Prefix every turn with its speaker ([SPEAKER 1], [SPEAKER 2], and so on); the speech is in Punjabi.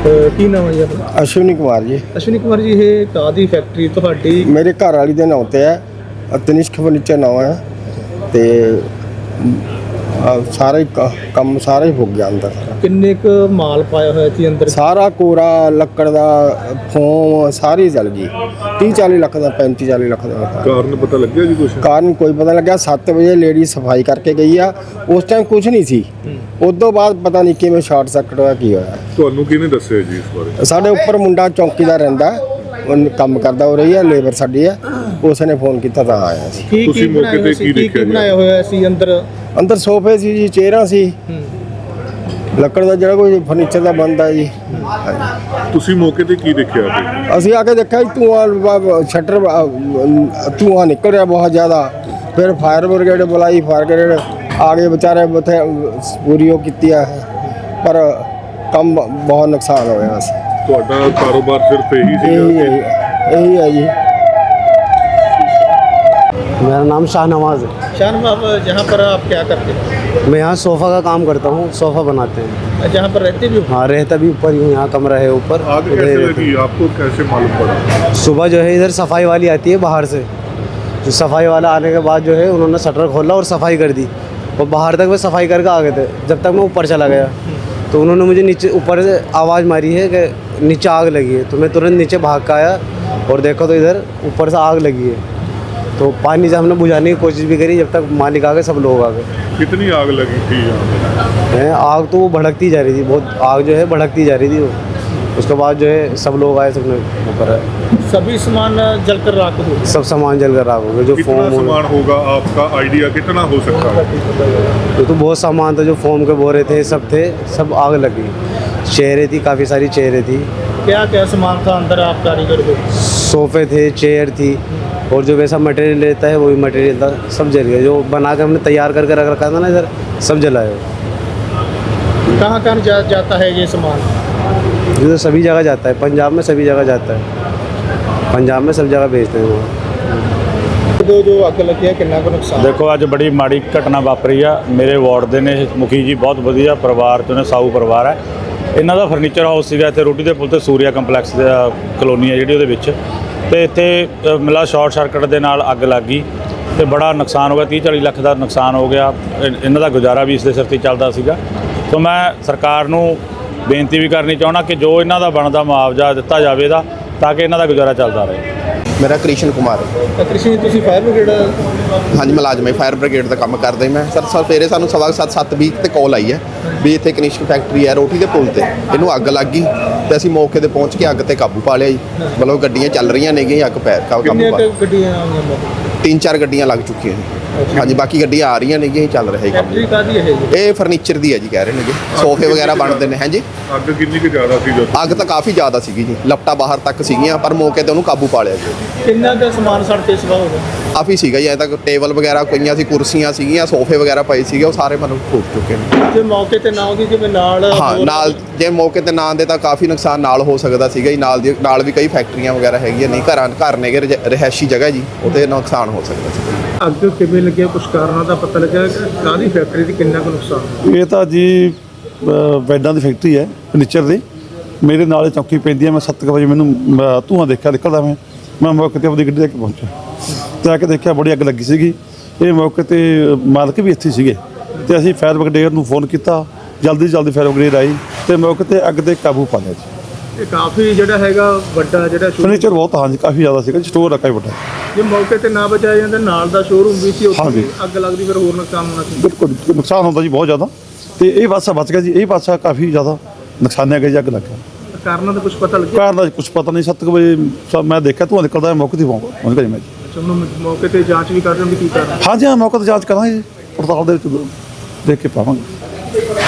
[SPEAKER 1] ਕੀ ਨਾਮ ਹੈ ਜੀ ਆਪਣਾ?
[SPEAKER 2] ਅਸ਼ਵਨੀ ਕੁਮਾਰ ਜੀ।
[SPEAKER 1] ਅਸ਼ਵਨੀ ਕੁਮਾਰ ਜੀ, ਇਹ ਕਾਹਦੀ ਫੈਕਟਰੀ ਤੁਹਾਡੀ?
[SPEAKER 2] ਮੇਰੇ ਘਰ ਵਾਲੀ ਦੇ ਨਾਂ ਤੇ ਹੈ, ਤਨਿਸ਼ਕ ਫਰਨੀਚਰ ਨਾਂ ਹੈ ਤੇ ਸਾਰਾ ਹੀ ਕੰਮ ਸਾਰਾ ਹੀ ਹੋ ਗਿਆ ਅੰਦਰ।
[SPEAKER 1] ਕਿੰਨੇ ਕੁ ਮਾਲ ਪਾਇਆ ਹੋਇਆ ਸੀ ਅੰਦਰ?
[SPEAKER 2] ਸਾਰਾ ਕੋਰਾ ਲੱਕੜ ਦਾ ਫੋਮ ਸਾਰੀ ਜਲ ਗਈ। 30-40 ਲੱਖ ਦਾ, 35-40 ਲੱਖ ਦਾ।
[SPEAKER 3] ਕਾਰਨ ਪਤਾ ਲੱਗਿਆ ਜੀ ਕੁਛ?
[SPEAKER 2] ਕਾਰਨ ਕੋਈ ਪਤਾ ਲੱਗਿਆ। 7 ਵਜੇ ਲੇਡੀ ਸਫਾਈ ਕਰਕੇ ਗਈ ਆ, ਉਸ ਟਾਈਮ ਕੁਝ ਨਹੀਂ ਸੀ। ਉਸ ਤੋਂ ਬਾਅਦ ਪਤਾ ਨਹੀਂ ਕਿਵੇਂ ਸ਼ਾਰਟ ਸਰਕਟ ਹੋਇਆ, ਕੀ ਹੋਇਆ।
[SPEAKER 3] ਤੁਹਾਨੂੰ ਕਿਹਨੇ ਦੱਸਿਆ ਜੀ ਇਸ ਬਾਰੇ?
[SPEAKER 2] ਸਾਡੇ ਉੱਪਰ ਮੁੰਡਾ ਚੌਕੀਦਾਰ ਰਹਿੰਦਾ, ਉਹ ਕੰਮ ਕਰਦਾ ਹੋ ਰਹੀ ਹੈ, ਲੇਬਰ ਸਾਡੀ ਹੈ, ਉਸ ਨੇ ਫੋਨ ਕੀਤਾ ਤਾਂ ਆਇਆ ਸੀ।
[SPEAKER 1] ਕੀ
[SPEAKER 3] ਤੁਸੀਂ ਮੌਕੇ ਤੇ ਕੀ ਦੇਖਿਆ ਜੀ?
[SPEAKER 1] ਬਣਾਇਆ ਹੋਇਆ ਸੀ ਅੰਦਰ?
[SPEAKER 2] ਅੰਦਰ ਸੋਫੇ ਸੀ ਜੀ, ਚੇਅਰਾਂ ਸੀ, ਲੱਕੜ ਦਾ ਜਿਹੜਾ ਕੋਈ ਫਰਨੀਚਰ ਦਾ ਬਣਦਾ ਜੀ।
[SPEAKER 3] ਤੁਸੀਂ ਮੌਕੇ ਤੇ ਕੀ ਦੇਖਿਆ?
[SPEAKER 2] ਅਸੀਂ ਆ ਕੇ ਦੇਖਿਆ ਜੀ, ਧੂੰਆਂ ਸ਼ਟਰ ਧੂੰਆਂ ਨਿਕਲ ਰਿਹਾ ਬਹੁਤ ਜ਼ਿਆਦਾ। ਫਿਰ ਫਾਇਰ ਬ੍ਰਿਗੇਡ ਬੁਲਾਈ, ਫਾਇਰ ਬ੍ਰਿਗੇਡ ਆ ਗਏ, ਵਿਚਾਰੇ ਉੱਥੇ ਪੂਰੀ ਉਹ ਕੀਤੀ ਆ, ਪਰ ਕੰਮ ਬਹੁਤ ਨੁਕਸਾਨ ਹੋਇਆ ਬਸ।
[SPEAKER 3] ਤੁਹਾਡਾ ਕਾਰੋਬਾਰ ਸਿਰਫ ਇਹੀ
[SPEAKER 2] ਇਹੀ ਹੈ ਜੀ।
[SPEAKER 4] मेरा नाम शाहनवाज है।
[SPEAKER 1] शाहनवाज, जहाँ पर आप क्या करते हैं?
[SPEAKER 4] मैं यहाँ सोफ़ा का काम करता हूँ, सोफ़ा बनाते हैं।
[SPEAKER 1] जहाँ पर रहते भी हो?
[SPEAKER 4] हाँ, रहता भी ऊपर ही हूँ, यहाँ कमरा है ऊपर।
[SPEAKER 3] आग कैसे लगी आपको, कैसे मालूम पड़ा?
[SPEAKER 4] सुबह जो है इधर सफाई वाली आती है बाहर से, जो सफाई वाला आने के बाद जो है उन्होंने शटर खोला और सफाई कर दी, और बाहर तक वे सफाई करके आ गए थे। जब तक मैं ऊपर चला गया तो उन्होंने मुझे नीचे ऊपर से आवाज़ मारी है कि नीचे आग लगी है। तो मैं तुरंत नीचे भाग के आया और देखा तो इधर ऊपर से आग लगी है। तो पानी से हमने बुझाने की कोशिश भी करी, जब तक मालिक आ गए, सब लोग आ गए।
[SPEAKER 3] कितनी आग लगी थी यहाँ?
[SPEAKER 4] आग तो वो भड़कती जा रही थी, बहुत आग जो है भड़कती जा रही थी वो। उसके बाद जो है सब लोग आए, सबने ऊपर आए,
[SPEAKER 1] सभी सामान जलकर राख हो?
[SPEAKER 4] सब सामान जलकर राख हो गया। जो
[SPEAKER 3] कितना
[SPEAKER 4] फोम
[SPEAKER 3] सामान होगा, आपका आइडिया कितना हो सकता है?
[SPEAKER 4] तो बहुत सामान था, जो फोम के बोरे थे, सब थे, सब आग लगी। चेयरें थी, काफ़ी सारी चेयरें थी।
[SPEAKER 1] क्या क्या सामान था अंदर आप कारीगर को?
[SPEAKER 4] सोफ़े थे, चेयर थी, और जो वैसा मटेरियल रहता है वही मटेरियल था, सब जल गया। जो बना के हमने तैयार करके रख रखा था ना इधर, सब जलाया।
[SPEAKER 1] कहाँ कहाँ जाता है ये सामान?
[SPEAKER 4] ये तो सभी जगह जाता है, पंजाब में सभी जगह जाता है, पंजाब में सब जगह भेजते हैं वो।
[SPEAKER 1] जो ਅੱਗ ਲੱਗੀ ਹੈ, ਕਿੰਨਾ ਕੁ ਨੁਕਸਾਨ?
[SPEAKER 5] ਦੇਖੋ, ਅੱਜ ਬੜੀ ਮਾੜੀ ਘਟਨਾ ਵਾਪਰੀ ਆ। ਮੇਰੇ ਵਾਰਡ ਦੇ ਨੇ ਮੁਖੀ ਜੀ, ਬਹੁਤ ਵਧੀਆ ਪਰਿਵਾਰ ਤੋਂ ਨੇ, ਸਾਊ ਪਰਿਵਾਰ ਹੈ। ਇਹਨਾਂ ਦਾ ਫਰਨੀਚਰ ਹਾਊਸ ਸੀਗਾ ਇੱਥੇ ਰੋਟੀ ਦੇ ਪੁਲ ਤੇ, ਸੂਰਿਆ ਕੰਪਲੈਕਸ ਦਾ ਕਲੋਨੀ ਹੈ ਜਿਹੜੀ, ਉਹਦੇ ਵਿੱਚ। ਤੇ ਇੱਥੇ ਮਿਲਾ ਸ਼ਾਰਟ ਸਰਕਟ ਦੇ ਨਾਲ ਅੱਗ ਲੱਗ ਗਈ ਤੇ ਬੜਾ ਨੁਕਸਾਨ ਹੋ ਗਿਆ। 30-40 ਲੱਖ ਦਾ ਨੁਕਸਾਨ ਹੋ ਗਿਆ। ਇਹਨਾਂ ਦਾ ਗੁਜ਼ਾਰਾ ਵੀ ਇਸ ਦੇ ਸਿਰ ਤੇ ਚੱਲਦਾ ਸੀਗਾ। ਸੋ ਮੈਂ ਸਰਕਾਰ ਨੂੰ ਬੇਨਤੀ ਵੀ ਕਰਨੀ ਚਾਹੁੰਦਾ ਕਿ ਜੋ ਇਹਨਾਂ ਦਾ ਬਣਦਾ ਮੁਆਵਜ਼ਾ ਦਿੱਤਾ ਜਾਵੇ ਇਹਦਾ, ਤਾਂ ਕਿ ਇਹਨਾਂ ਦਾ ਗੁਜ਼ਾਰਾ ਚੱਲਦਾ ਰਹੇ।
[SPEAKER 6] मेरा कृष्ण कुमार है।
[SPEAKER 1] ਕ੍ਰਿਸ਼ਨ ਜੀ, ਤੁਸੀਂ ਫਾਇਰ ਬ੍ਰਿਗੇਡ?
[SPEAKER 6] हाँ जी, मुलाजम है, फायर ब्रिगेड का काम करते मैं सर। सवेरे सानू 7:20 ਤੇ ਕਾਲ ਆਈ ਹੈ ਵੀ ਇੱਥੇ ਕਨਿਸ਼ਕ ਫੈਕਟਰੀ ਹੈ ਰੋਟੀ ਦੇ ਪੁਲ ਤੇ, ਇਹਨੂੰ ਅੱਗ ਲੱਗ ਗਈ ਤੇ ਅਸੀਂ ਮੌਕੇ ਤੇ ਪਹੁੰਚ ਕੇ ਅੱਗ ਤੇ ਕਾਬੂ ਪਾ ਲਿਆ ਜੀ। ਮਤਲਬ ਗੱਡੀਆਂ ਚੱਲ ਰਹੀਆਂ ਨੇਗੀਆਂ, ਅੱਗ ਪੈ ਕਾਬੂ
[SPEAKER 1] ਕਿੰਨੀਆਂ
[SPEAKER 6] ਪਾ।
[SPEAKER 1] ਗੱਡੀਆਂ ਆਈਆਂ?
[SPEAKER 6] 3-4 ਗੱਡੀਆਂ ਲੱਗ ਚੁੱਕੀਆਂ ਨੇ। ਹਾਂਜੀ, ਬਾਕੀ ਗੱਡੀਆਂ ਆ ਰਹੀਆਂ ਨੇਗੀਆਂ, ਚੱਲ ਰਿਹਾ ਕੰਮ।
[SPEAKER 1] ਫੈਕਟਰੀ ਕਾਹਦੀ ਹੈ ਜੀ?
[SPEAKER 6] ਇਹ ਫਰਨੀਚਰ ਦੀ ਹੈ ਜੀ, ਕਹਿ ਰਹੇ ਨੇਗੇ, ਸੋਫੇ ਵਗੈਰਾ ਬਣਦੇ ਨੇ। ਹਾਂਜੀ,
[SPEAKER 3] ਅੱਗ ਕਿੰਨੀ ਕੁ ਜ਼ਿਆਦਾ ਸੀ ਜਦੋਂ?
[SPEAKER 6] ਅੱਗ ਤਾਂ ਕਾਫੀ ਜ਼ਿਆਦਾ ਸੀਗੀ ਜੀ, ਲਪਟਾ ਬਾਹਰ ਤੱਕ ਸੀਗੀਆਂ, ਪਰ ਮੌਕੇ ਤੇ ਉਹਨੂੰ ਕਾਬੂ ਪਾ ਲਿਆ ਜੀ।
[SPEAKER 1] ਕਿੰਨਾ ਕੁ ਸਮਾਨ ਸੜ ਕੇ ਸਵਾ ਹੋ ਗਿਆ?
[SPEAKER 6] ਕਾਫੀ ਸੀਗਾ ਜੀ, ਅਜੇ ਤੱਕ ਟੇਬਲ ਵਗੈਰਾ ਪਈਆਂ ਸੀ, ਕੁਰਸੀਆਂ ਸੀਗੀਆਂ, ਸੋਫੇ ਵਗੈਰਾ ਪਏ ਸੀਗੇ, ਉਹ ਸਾਰੇ ਮਤਲਬ ਫੂਟ ਚੁੱਕੇ ਨੇ।
[SPEAKER 1] ਜੇ ਮੌਕੇ ਤੇ ਨਾ ਉਹਦੀ ਜਿਵੇਂ ਨਾਲ
[SPEAKER 6] ਹਾਂ, ਨਾਲ ਜੇ ਮੌਕੇ ਤੇ ਨਾ ਆਉਂਦੇ ਤਾਂ ਕਾਫੀ ਨੁਕਸਾਨ ਨਾਲ ਹੋ ਸਕਦਾ ਸੀਗਾ ਜੀ। ਨਾਲ ਵੀ ਕਈ ਫੈਕਟਰੀਆਂ ਵਗੈਰਾ ਹੈਗੀਆਂ, ਨਹੀਂ ਘਰ ਨੇਗੇ, ਰਿਹਾਇਸ਼ੀ ਜਗ੍ਹਾ ਜੀ, ਉਹਤੇ ਨੁਕਸਾਨ ਹੋ ਸਕਦਾ ਸੀ।
[SPEAKER 1] ਅੱਗ ਕਿਵੇਂ ਲੱਗਿਆ, ਕੁਛ ਕਾਰਨਾਂ ਦਾ ਪਤਾ ਲੱਗਿਆ? ਕਾਹਦੀ ਫੈਕਟਰੀ ਦੀ, ਕਿੰਨਾ ਕੁ ਨੁਕਸਾਨ?
[SPEAKER 7] ਇਹ ਤਾਂ ਜੀ ਬੈਡਾਂ ਦੀ ਫੈਕਟਰੀ ਹੈ, ਫਰਨੀਚਰ ਦੀ। ਮੇਰੇ ਨਾਲ ਹੀ ਚੌਕੀ ਪੈਂਦੀ ਹੈ। ਮੈਂ 7 ਵਜੇ ਮੈਨੂੰ ਧੂੰਆਂ ਦੇਖਿਆ ਨਿਕਲਦਾ। ਮੈਂ ਮੌਕੇ 'ਤੇ ਆਪਣੀ ਗੱਡੀ ਲੈ ਕੇ ਪਹੁੰਚਿਆ ਤੇ ਆ ਕੇ ਦੇਖਿਆ ਬੜੀ ਅੱਗ ਲੱਗੀ ਸੀਗੀ। ਇਹ ਮੌਕੇ 'ਤੇ ਮਾਲਕ ਵੀ ਇੱਥੇ ਸੀਗੇ ਤੇ ਅਸੀਂ ਫਾਇਰ ਬ੍ਰਿਗੇਡ ਨੂੰ ਫੋਨ ਕੀਤਾ। ਜਲਦੀ ਫਾਇਰ ਬ੍ਰਿਗੇਡ ਆਈ ਤੇ ਮੌਕੇ 'ਤੇ ਅੱਗ 'ਤੇ ਕਾਬੂ ਪਾ ਲਿਆ ਜੀ।
[SPEAKER 1] ਇਹ ਕਾਫੀ ਜਿਹੜਾ ਹੈਗਾ ਵੱਡਾ ਜਿਹੜਾ
[SPEAKER 7] ਫਰਨੀਚਰ ਬਹੁਤ, ਹਾਂਜੀ, ਕਾਫੀ ਜ਼ਿਆਦਾ ਸੀਗਾ। ਸਟੋਰ ਰੱਖਿਆ ਵੱਡਾ।
[SPEAKER 1] ਜੇ ਮੌਕੇ ਤੇ ਨਾ ਬਚਾਇਆ ਜਾਂਦਾ, ਨਾਲ ਦਾ ਸ਼ੋਰੂਮ ਵੀ ਸੀ, ਉੱਥੇ
[SPEAKER 7] ਹਾਂਜੀ।
[SPEAKER 1] ਵੀ ਅੱਗ ਲੱਗਦੀ, ਫਿਰ ਹੋਰ ਨੁਕਸਾਨ ਹੋਣਾ ਸੀ।
[SPEAKER 7] ਬਿਲਕੁਲ ਨੁਕਸਾਨ ਹੁੰਦਾ ਜੀ, ਬਹੁਤ ਜ਼ਿਆਦਾ। ਤੇ ਇਹ ਪਾਸਾ ਬਚ ਗਿਆ ਜੀ, ਇਹ ਪਾਸਾ ਕਾਫੀ ਜ਼ਿਆਦਾ ਨੁਕਸਾਨਿਆ ਗਿਆ ਜੀ, ਅੱਗ ਲੱਗਾ।
[SPEAKER 1] ਕਾਰਨਾਂ ਦਾ ਕੁਝ ਪਤਾ ਲੱਗਿਆ?
[SPEAKER 7] ਕਾਰਨ ਦਾ ਕੁਝ ਪਤਾ ਨਹੀਂ। 7 ਵਜੇ ਮੈਂ ਦੇਖਿਆ ਧੂੰਆਂ ਨਿਕਲਦਾ, ਮੌਕੇ 'ਤੇ ਪਹੁੰਚ ਗਿਆ ਜੀ ਮੈਂ ਜੀ।
[SPEAKER 1] ਅੱਛਾ, ਹੁਣ ਮੌਕੇ ਤੇ ਜਾਂਚ ਵੀ ਕਰ ਰਹੇ ਹੋ ਵੀ ਕੀ ਕਾਰਨ?
[SPEAKER 7] ਹਾਂਜੀ, ਹਾਂ, ਮੌਕੇ 'ਤੇ ਜਾਂਚ ਕਰਾਂਗੇ, ਪੜਤਾਲ ਦੇ ਵਿੱਚ ਦੇਖ ਕੇ ਪਾਵਾਂਗੇ।